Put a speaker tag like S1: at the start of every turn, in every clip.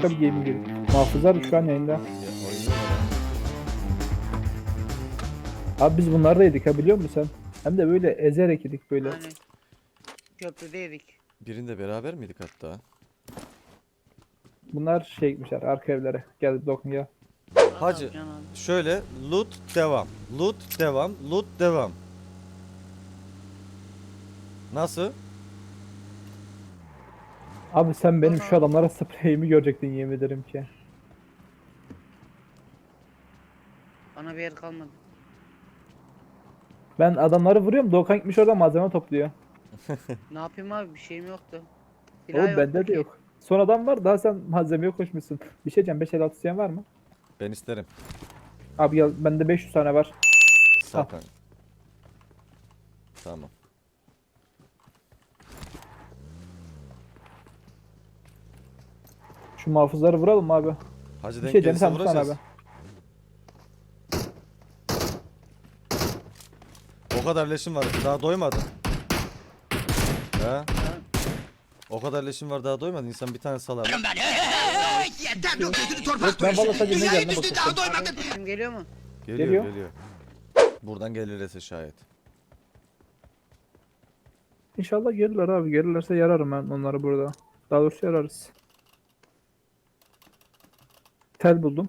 S1: başka bir gaming girdik. Muhafızlar şu an yayında.
S2: Ya, oynuyorlar
S1: Abi biz bunları da yedik ha, biliyor musun sen? Hem de böyle ezerek yedik böyle.
S3: Hani köprüde yedik.
S2: ha. Birinde beraber miydik hatta?
S1: Bunlar şey gitmişler arka evlere. Gel dokun gel.
S2: Hacı
S3: Can abi.
S2: şöyle loot devam. Loot devam. Loot devam. Nasıl?
S1: Abi sen benim şu adamlara spreyimi görecektin, yemin ederim ki.
S3: Bana bir yer kalmadı.
S1: Ben adamları vuruyorum, Doğukan gitmiş orada malzeme topluyor.
S3: Ne yapayım abi, bir şeyim yoktu. Silah
S1: Oğlum
S3: yoktu
S1: bende de
S3: ki.
S1: yok. Son adam var, daha sen malzemeye koşmuşsun. Bir şey diyeceğim, 556 isteyen var mı?
S2: Ben isterim.
S1: Abi gel, bende 500 tane var. Al.
S2: Sakın. Tamam.
S1: Şu muhafızları vuralım mı abi?
S2: Hacı
S1: Bir
S2: denk
S1: şey diyeceğim,
S2: gelirse
S1: sen tutsana
S2: vuracağız.
S1: abi.
S2: O kadar leşim var. Daha doymadın. He?
S3: Ha,
S2: O kadar leşim var daha doymadın. İnsan bir tane salar.
S1: Ben valla sadece ne geldiğine bakıyorum.
S3: abi, sesim geliyor mu?
S2: Geliyor.
S1: Geliyor.
S2: Buradan gelirse şayet.
S1: İnşallah gelirler abi. Gelirlerse yararım ben onları burada. Daha doğrusu yararız. Tel buldum.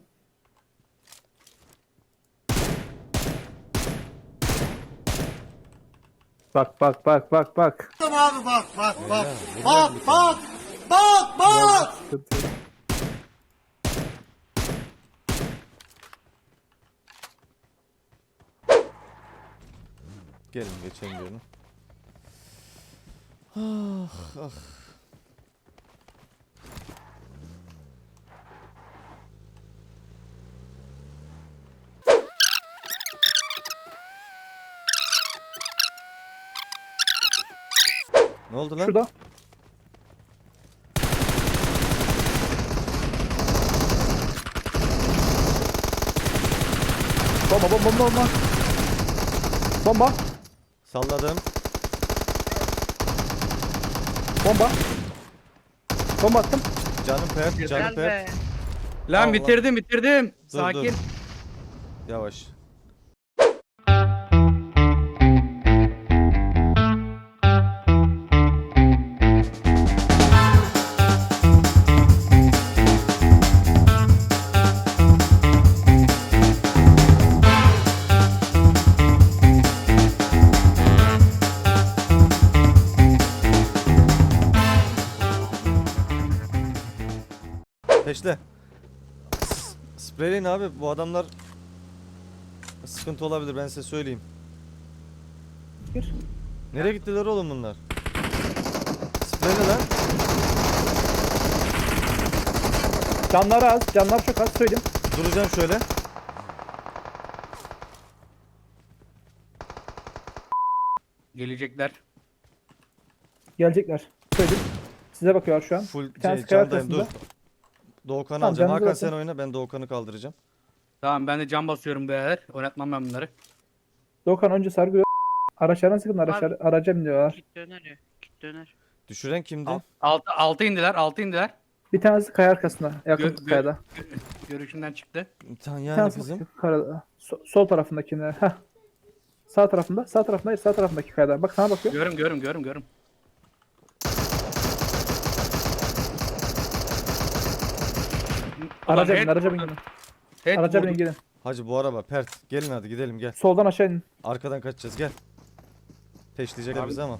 S1: Bak bak bak bak bak.
S4: Abi bak bak bak.
S2: Öyle,
S4: Bak
S2: vuracağız bir
S4: bak. Bak bak.
S1: Sıkıntı yok.
S2: Gelin geçelim diyorum. Ah ah. Ne oldu lan?
S1: Şurada. Bomba bomba bomba bomba. Bomba.
S2: Salladım.
S1: Bomba. Bomba attım.
S2: Canım pert, canım
S3: Gel
S2: pert.
S3: be.
S5: Lan
S2: Allah.
S5: bitirdim.
S2: Dur,
S5: Sakin.
S2: dur. Yavaş. Peşle. Spreyleyin abi, bu adamlar sıkıntı olabilir, ben size söyleyeyim.
S1: Gir.
S2: Nereye gittiler oğlum bunlar? Spreyle lan.
S1: Canları az. Canlar çok az, söyleyeyim.
S2: Duracağım şöyle.
S5: Gelecekler.
S1: Gelecekler. Söyleyeyim. Size bakıyorlar şu an.
S2: Full
S1: Bir tanesi kaya
S2: candayım, dur.
S1: arkasında.
S2: Doğukan'ı
S1: Tamam,
S2: alacağım.
S1: canınızı
S2: Hakan
S1: basın.
S2: sen oyna, ben Doğukan'ı kaldıracağım.
S5: Tamam ben de cam basıyorum beyler. Oynatmam ben bunları.
S1: Doğukan önce sargı. Araçlarına sıkın, araca biniyorlar.
S3: Git döner ya. Git döner.
S2: Düşüren kimdi?
S5: Altı indiler. Altı indiler.
S1: Bir tanesi kaya arkasında. Yakın
S5: Gö- gö-
S1: kayada.
S5: Görüşünden çıktı.
S2: Tamam
S1: Bir
S2: yani
S1: tanesi
S2: kızım.
S1: karada. Sol tarafındakine. Heh. Sağ tarafında. Sağ tarafında. Hayır, sağ tarafındaki kayada. Bak sana bakıyor.
S5: Görüm.
S1: Araca
S5: Ulan
S1: binin. Araca binin.
S5: head
S1: Araca
S5: vurdu.
S1: binin gidin.
S2: Hacı bu araba pert. Gelin hadi gidelim gel.
S1: Soldan aşağı inin.
S2: Arkadan kaçacağız gel. Peşleyecekler
S5: Abi-
S2: bizi ama.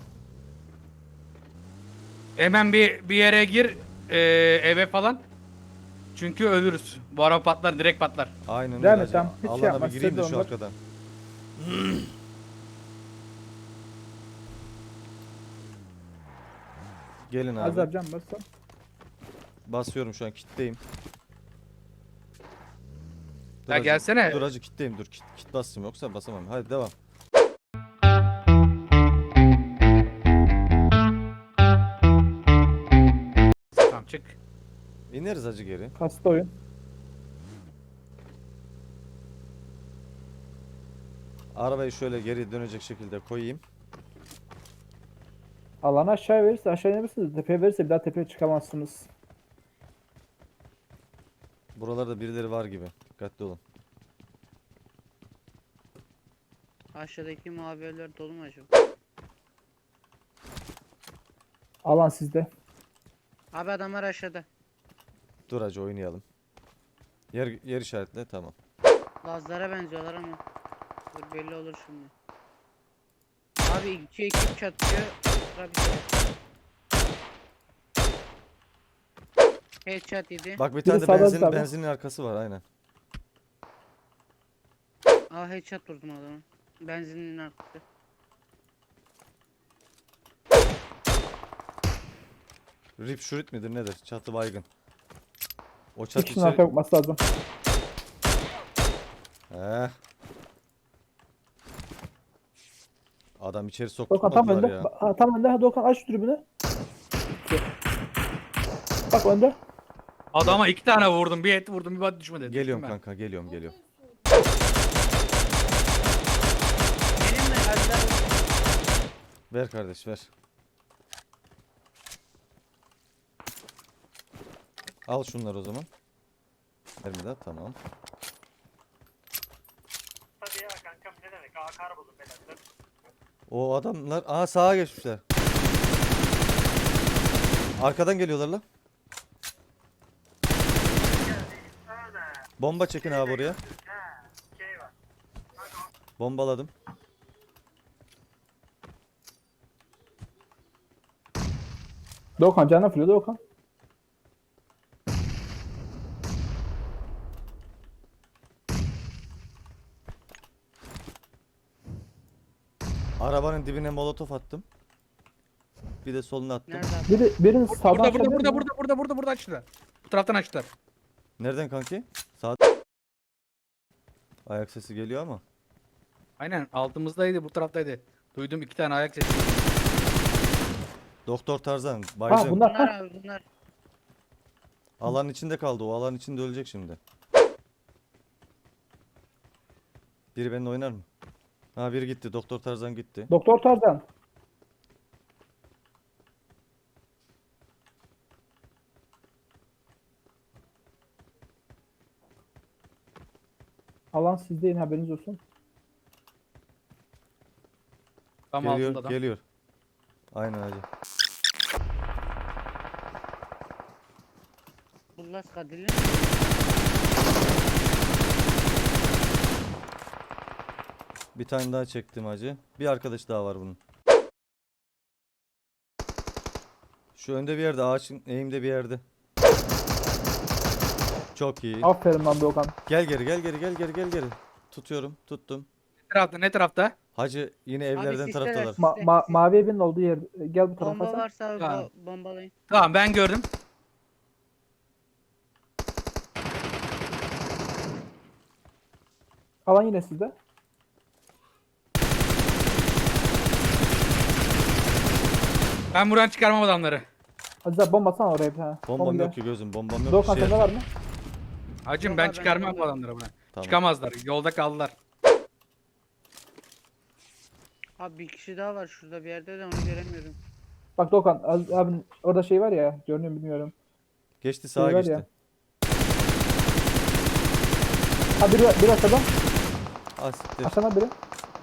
S5: Hemen bir yere gir. Eve falan. Çünkü ölürüz. Bu araba patlar, direkt patlar.
S2: Aynen öyle
S1: Devam et,
S2: hacı.
S1: tamam. Hiç şey
S2: Alana
S1: yapma,
S2: bir gireyim de
S1: size de
S2: şu
S1: onlar.
S2: arkadan. Gelin
S1: Az
S2: abi.
S1: abi can bassa.
S2: Basıyorum şu an kitleyim.
S5: Ya gelsene.
S2: Dur hacı kitleyim dur. Kit basayım yoksa basamam. Hadi devam.
S5: Tamam çık.
S2: İneriz hacı geri.
S1: Hasta oyun.
S2: Arabayı şöyle geri dönecek şekilde koyayım.
S1: Alanı aşağı verirse aşağı inebilirsiniz. Tepeye verirse bir daha tepeye çıkamazsınız.
S2: Buralarda birileri var gibi. Dikkatli olun.
S3: Aşağıdaki mavi evler dolu mu acaba?
S1: Alan sizde.
S3: Abi adamlar aşağıda.
S2: Dur hacı oynayalım. Yer işaretle tamam.
S3: Lazlara benziyorlar ama. Dur belli olur şimdi. Abi iki ekip çatıyor. Sıra bize. Headshot yedi.
S2: Bak bir
S1: Biri
S2: tane de
S1: sağda, sağda.
S2: benzinin arkası var aynen.
S3: Aa headshot vurdum adamı. Benzinin arkası.
S2: Rip şurit midir nedir? Çatı baygın. O
S1: Bir
S2: çatı
S1: kişinin arkaya bakması lazım.
S2: Heh. Adam içeri
S1: Doğukan tam
S2: sokmadılar
S1: önde.
S2: ya.
S1: Ha, tam önde. Ha, Doğukan aç şu tribünü. Bak önde.
S5: Adama 2 tane vurdum. Bir et vurdum, bir body düşmedi.
S2: Geliyorum
S5: Düştüm ben.
S2: kanka geliyorum.
S3: Benim mi? Azlar.
S2: Ver kardeş ver. Al şunları o zaman. Vermeden tamam.
S6: Hadi ya kankam ne demek? Akar buldum beyler.
S2: O adamlar sağa geçmişler. Arkadan geliyorlar lan. Bomba çekin abi oraya.
S6: Şey var.
S2: Bombaladım.
S1: Doğukan canına fırlıyor Doğukan.
S2: Arabanın dibine molotof attım. Bir de soluna attım.
S3: Nerede abi?
S1: Birini sağdan
S5: Burada
S1: açabilir
S5: burada
S1: mi?
S5: burada açtılar. Bu taraftan açtılar.
S2: Nereden kanki? Sağ. Ayak sesi geliyor ama.
S5: Aynen altımızdaydı, bu taraftaydı. Duydum 2 tane ayak sesi.
S2: Doktor Tarzan.
S1: Ha
S2: Baycım.
S1: bunlar.
S3: Bunlar
S1: Ha.
S3: abi bunlar.
S2: Alanın içinde kaldı. O alanın içinde ölecek şimdi. Biri benimle oynar mı? Ha biri gitti. Doktor Tarzan gitti.
S1: Doktor Tarzan. Alan sizde yine haberiniz olsun.
S5: Tam
S2: Geliyor,
S5: altında adam.
S2: geliyor. Aynen hacı.
S3: Bunlar kadili.
S2: Bir tane daha çektim hacı. Bir arkadaş daha var bunun. Şu önde bir yerde, ağaçın eğimde bir yerde. Çok iyi.
S1: Aferin lan Doğukan.
S2: Gel geri. Tutuyorum, tuttum.
S5: Ne tarafta?
S2: Hacı yine evlerden
S3: sisler
S2: taraftalar.
S3: arası.
S1: Mavi evin olduğu yer. Gel bu tarafa
S3: Bomba
S1: sen.
S3: varsa abi
S5: Tamam.
S3: bombalayın.
S5: Tamam ben gördüm.
S1: Alan yine sizde.
S5: Ben buradan çıkarmam adamları.
S1: Aziz abi bomba atsana oraya bir tane.
S2: Bombam
S1: Bomba
S2: yok ki gözüm, bombam yok.
S1: Doğukan
S2: Şey
S1: sende var
S2: yapacağım.
S1: mı?
S5: Hacım
S3: Yok
S5: ben
S3: abi,
S5: çıkarmam
S3: ben
S5: bu adamları buna.
S2: Tamam.
S5: Çıkamazlar. Yolda kaldılar.
S3: Abi bir kişi daha var şurada bir yerde de onu göremiyorum.
S1: Bak Doğukan Aziz abinin orada şey var ya. Görünüyor mu bilmiyorum.
S2: Geçti sağa
S1: Şey var
S2: geçti.
S1: ya. Ha biri aşağıda.
S2: Ah siktir.
S1: Aşağıda biri.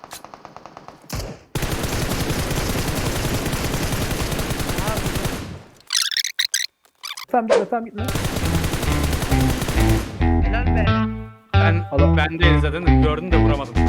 S1: Tamam gitme.
S3: Helal be.
S5: Ben
S1: Adam-
S5: ben değilim zaten. Gördüm de vuramadım.